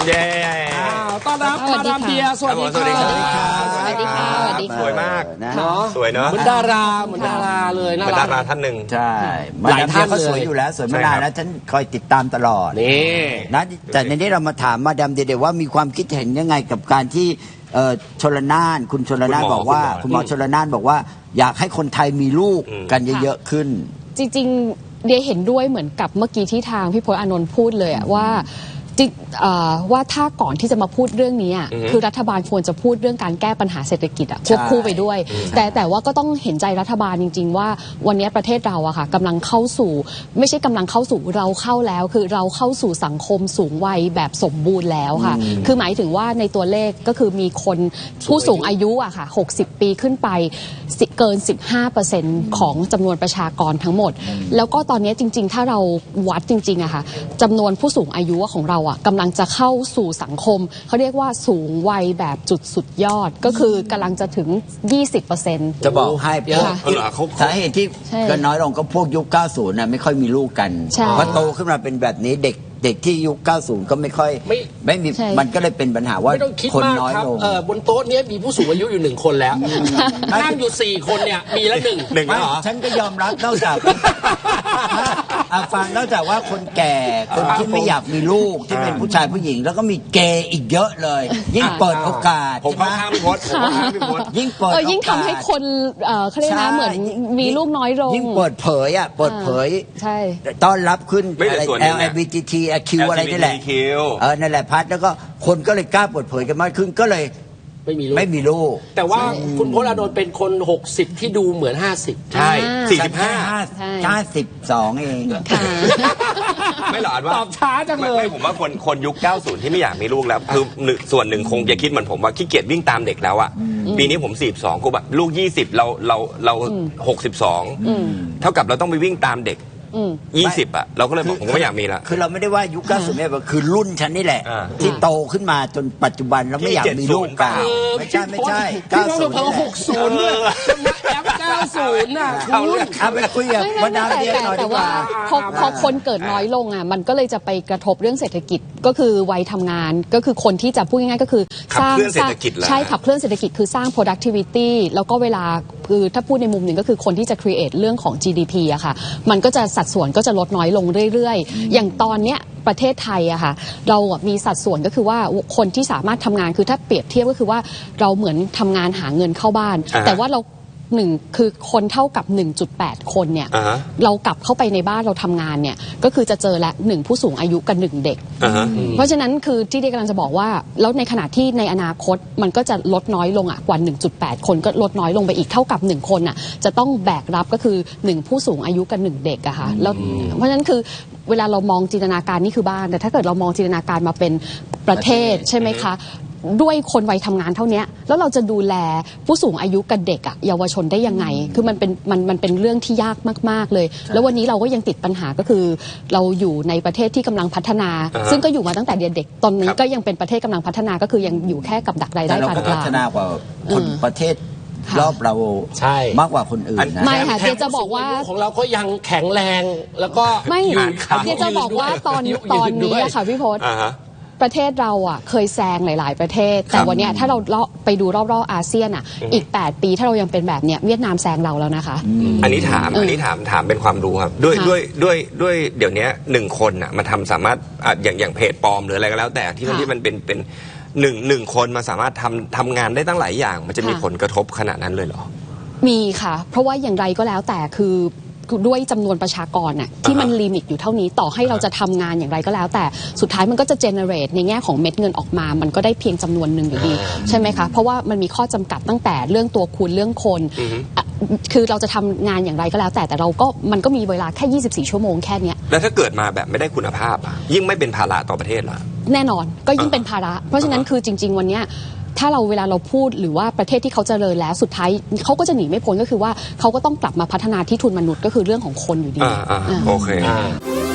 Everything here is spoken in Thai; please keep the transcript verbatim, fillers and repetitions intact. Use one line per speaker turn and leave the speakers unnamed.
เย้
ต้อนรับมาดามเดียสวัสดีค่ะ
สวัสดีค่ะ
สวัสดีค่ะ
สวยมาก
เนาะ
สวยเนาะ
เหมือนดาราเหมือนดาราเลยน่ารัก
เหมือนดาราท่านหนึ่ง
ใช่หลายท่านก็สวยอยู่แล้วสวยมานานแล้วฉันคอยติดตามตลอด
นี่
นะแต่ในนี้เรามาถามมาดามเดียว่ามีความคิดเห็นยังไงกับการที่ชลนานคุณชลนานบอกว่าคุณหมอชลนานบอกว่าอยากให้คนไทยมีลูกกันเยอะๆขึ้น
จริงๆเดียเห็นด้วยเหมือนกับเมื่อกี้ที่ทางพี่พจน์อานนท์พูดเลยว่าว่าถ้าก่อนที่จะมาพูดเรื่องนี้คือรัฐบาลควรจะพูดเรื่องการแก้ปัญหาเศรษฐกิจควบคู่ไปด้วยแต่แต่ว่าก็ต้องเห็นใจรัฐบาลจริงๆว่าวันนี้ประเทศเราอะค่ะกำลังเข้าสู่ไม่ใช่กำลังเข้าสู่เราเข้าแล้วคือเราเข้าสู่สังคมสูงวัยแบบสมบูรณ์แล้วค่ะคือหมายถึงว่าในตัวเลขก็คือมีคนผู้สูงอายุอะค่ะหกสิบปีขึ้นไปเกิน สิบห้าเปอร์เซ็นต์ ของจำนวนประชากรทั้งหมดแล้วก็ตอนนี้จริงๆถ้าเราวัดจริงๆอะค่ะจำนวนผู้สูงอายุของเรากำลังจะเข้าสู่สังคมเขาเรียกว่าสูงวัยแบบจุดสุดยอดก็คือกำลังจะถึง ยี่สิบเปอร์เซ็นต์
จะบอกให้พวกสาเหตุที่ก็น้อยลงก็พวกยุคเก้าสิบนะไม่ค่อยมีลูกกันพอโตขึ้นมาเป็นแบบนี้เด็กเด็กที่ยุคเก้าสิบก็ไม่ค่อยไม่ไม่มีมันก็เลยเป็นปัญหาว่าคนน้อยลง
บนโต๊ะนี้มีผู้สูงอายุอยู่หนึ่งคนแล้วนั่งอยู่สี่คนเนี่ยมีละหนึ่ง
หนึ่งเหรอ
ฉันก็ยอมรับนอกจากฟังนอกจากว่าคนแก่คนที่ไม่อยากมีลูกที่เป็นผู้ชายผู้หญิงแล้วก็มีเกย์อีกเยอะเลยยิ่งเปิดโอกาส
ผมข้างพี่พจน์ผมข้างพี่พจน์
ยิ่งเปิด
ยิ่งทำให้คนเขาเรียกนะเหมือนมีลูกน้อยลง
ยิ่งเปิดเผยอ่ะเปิดเผย
ใช่
ต้อนรับขึ้นอะไร แอล แอล จี บี ที คิว อะไรนี่แหละเออนั่นแหละพัดแล้วก็คนก็เลยกล้าเปิดเผยกันมากขึ้นก็เลย
ไม่มีลูก
ไม่มีลูก
แต่ว่าคุณพจน์อานนท์เป็นคนหกสิบที่ดูเหมือนห้าสิบ
ใช่สี่สิบห้า
ห้าสิบสองเอง
ไม่หรอกว่า
ตอบช้าจังเลย
ไม่ผมว่าคนคนยุคเก้าสิบที่ไม่อยากมีลูกแล้วคือส่วนหนึ่งคงจะคิดเหมือนผมว่าขี้เกียจวิ่งตามเด็กแล้วอ่ะปีนี้ผมสี่สิบสองกูแบบลูกยี่สิบเราเราเราหกสิบสองเท่ากับเราต้องไปวิ่งตามเด็กยี่สิบอ่ะเราก็เลยบอกผมก็ไม่อยากมีละ
คือเราไม่ได้ว่ายุคเก้าสิบเนี่ยคือรุ่นฉันนี่แหละที่โตขึ้นมาจนปัจจุบันเราไม่อยากมีลูกกันไม่ใช่ไม่ใช่
เก้าสิบหกสิบด้วยแอปเก้าสิบน่ะคุณ
เอาไปคุยกับมาดามเดียหน่อยดีกว่า
พอพอคนเกิดน้อยลงอ่ะมันก็เลยจะไปกระทบเรื่องเศรษฐกิจก็คือวัยทำงานก็คือคนที่จะพูดง่ายๆก็คือ
สร้างเศรษฐกิจ
ใช่ขับเคลื่อนเศรษฐกิจคือสร้าง productivity แล้วก็เวลาคือถ้าพูดในมุมหนึ่งก็คือคนที่จะ create เรื่องของ จี ดี พี อะค่ะมันก็จะสัดส่วนก็จะลดน้อยลงเรื่อยๆอย่างตอนเนี้ยประเทศไทยอะค่ะเรามีสัดส่วนก็คือว่าคนที่สามารถทำงานคือถ้าเปรียบเทียบก็คือว่าเราเหมือนทำงานหาเงินเข้าบ้านแต่ว่าเราหนึ่งคือคนเท่ากับ หนึ่งจุดแปด คนเนี่ย
uh-huh.
เรากลับเข้าไปในบ้านเราทำงานเนี่ยก็คือจะเจอละหนึ่งผู้สูงอายุกับหนึ่งเด็ก
uh-huh.
เพราะฉะนั้นคือที่เด็กกำลังจะบอกว่าแล้วในขณะที่ในอนาคตมันก็จะลดน้อยลงอ่ะกว่า หนึ่งจุดแปด คนก็ลดน้อยลงไปอีกเท่ากับหนึ่งคนอ่ะจะต้องแบกรับก็คือหนึ่งผู้สูงอายุกับหนึ่งเด็กอะค่ะแล้วเพราะฉะนั้นคือเวลาเรามองจินตนาการนี่คือบ้านแต่ถ้าเกิดเรามองจินตนาการมาเป็นประเทศใช่ไหมคะด้วยคนวัยทำงานเท่านี้แล้วเราจะดูแลผู้สูงอายุกับเด็กอะเยาวชนได้ยังไงคือมันเป็นมันมันเป็นเรื่องที่ยากมากๆเลยแล้ววันนี้เราก็ยังติดปัญหาก็คือเราอยู่ในประเทศที่กำลังพัฒนาซึ่งก็อยู่มาตั้งแต่เด็กๆตอนนี้ก็ยังเป็นประเทศกำลังพัฒนาก็คือยังอยู่แค่กับดักรายได้ปานกลาง
พัฒนากว่าคนประเทศรอบเรา
ใช่
มากกว่าคนอื่นนะ
ไม่ค่ะเดี๋ยวจะบอกว่า
ของเราก็ยังแข็งแรงแล้วก็
ไม่เดี๋ยวจะบอกว่าตอนตอนนี้ค่ะพี่พจน์ประเทศเราอ่ะเคยแซงหลายๆประเทศแต่วันนี้ถ้าเราไปดูรอบๆอาเซียนอ่ะอีกแปดปีถ้าเรายังเป็นแบบเนี้ยเวียดนามแซงเราแล้วนะคะ
อันนี้ถามอันนี้ถามถามเป็นความรู้ครับด้วยด้วยด้วยด้วยเดี๋ยวนี้หนึ่งคนอ่ะมาทำสามารถอย่างอย่างเพจปลอมหรืออะไรก็แล้วแต่ที่มันที่มันเป็นเป็นหนึ่งหนึ่งคนมาสามารถทำทำงานได้ตั้งหลายอย่างมันจะมีผลกระทบขนาดนั้นเลยเหรอ
มีค่ะเพราะว่าอย่างไรก็แล้วแต่คือด้วยจำนวนประชากรน่ะที่มันลิมิตอยู่เท่านี้ต่อให้เราจะทำงานอย่างไรก็แล้วแต่สุดท้ายมันก็จะเจเนเรตในแง่ของเม็ดเงินออกมามันก็ได้เพียงจำนวนหนึ่งอยู่ดีใช่ไหมคะเพราะว่ามันมีข้อจำกัดตั้งแต่เรื่องตัวคูณเรื่องคนคือเราจะทำงานอย่างไรก็แล้วแต่แต่เราก็มันก็มีเวลาแค่ยี่สิบสี่ชั่วโมงแค่นี้
แล้วถ้าเกิดมาแบบไม่ได้คุณภาพอ่ะยิ่งไม่เป็นภาระต่อประเทศเหรอ
แน่นอนก็ยิ่งเป็นภาระเพราะฉะนั้นคือจริงๆวันนี้ถ้าเราเวลาเราพูดหรือว่าประเทศที่เขาเจริญแล้วสุดท้ายเขาก็จะหนีไม่พ้นก็คือว่าเขาก็ต้องกลับมาพัฒนาที่ทุนมนุษย์ก็คือเรื่องของคนอยู่ดี
โอเค